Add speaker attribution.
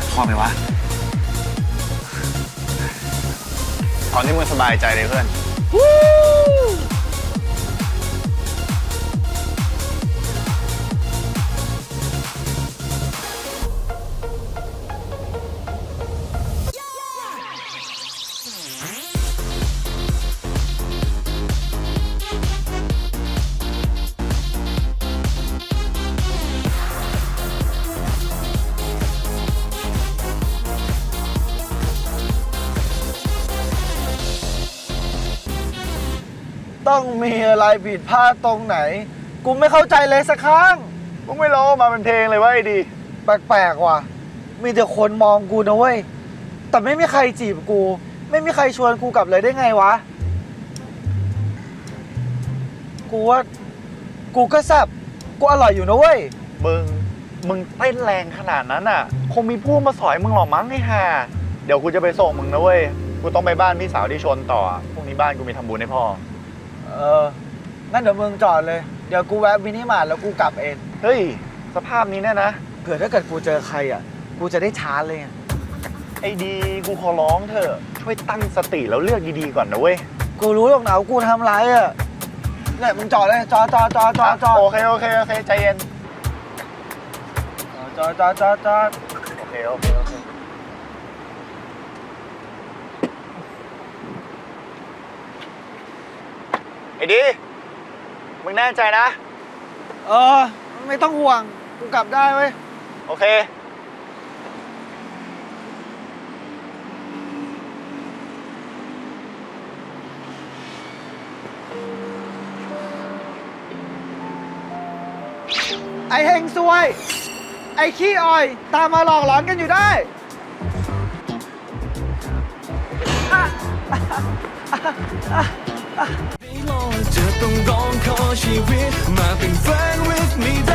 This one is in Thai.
Speaker 1: พอไหมวะเอาที่มึงสบายใจเลยเพื่อน
Speaker 2: ต้องมีอะไรผิดพลาดตรงไหนกูไม่เข้าใจเลยสักครั้ง
Speaker 1: มึงไม่ร้องมาเป็นเพลงเลยว่าไอ้ดี
Speaker 2: แปลกๆว่ะมีแต่คนมองกูนะเว้ยแต่ไม่มีใครจีบกู ไม่มีใครชวนกูกลับเลยได้ไงวะกูว่ากูก็แซ่บกูอร่อยอยู่นะเว้ย
Speaker 1: มึงเต้นแรงขนาดนั้นอ่ะคงมีผู้มาสอยมึงหรอมั้งไอ้ห่าเดี๋ยวกูจะไปส่งมึงนะเว้ยกูต้องไปบ้านพี่สาวที่ชนต่อพรุ่งนี้บ้านกูมีทำบุญให้พ่อ
Speaker 2: งั้นเดี๋ยวมึงจอดเลยเดี๋ยวกูแวะมินิมาร์ทแล้วกูกลับเอง
Speaker 1: เฮ้ยสภาพนี้แน่นะ
Speaker 2: เผื่อถ้าเกิดกูเจอใครอ่ะกูจะได้ชาร์จเลย
Speaker 1: ไอ้ดีกูขอร้องเถอะช่วยตั้งสติแล้วเลือกดีๆก่อนนะเว้ย
Speaker 2: กูรู้หรอกนะว่ากูทำไรอ่ะเนี่ยมึงจอดเลยจอด
Speaker 1: โอเคใจเย็น
Speaker 2: จอด
Speaker 1: โอเคไอ้ดีมึงแน่ใจนะ
Speaker 2: ไม่ต้องห่วงกูกลับได้เว้ย
Speaker 1: โอเค
Speaker 2: ไอเฮงซวยไอขี้อ่อยตามมาหลอกหลอนกันอยู่ได้
Speaker 3: จะต้องร้องขอชีวิตมาเป็นแฟน with me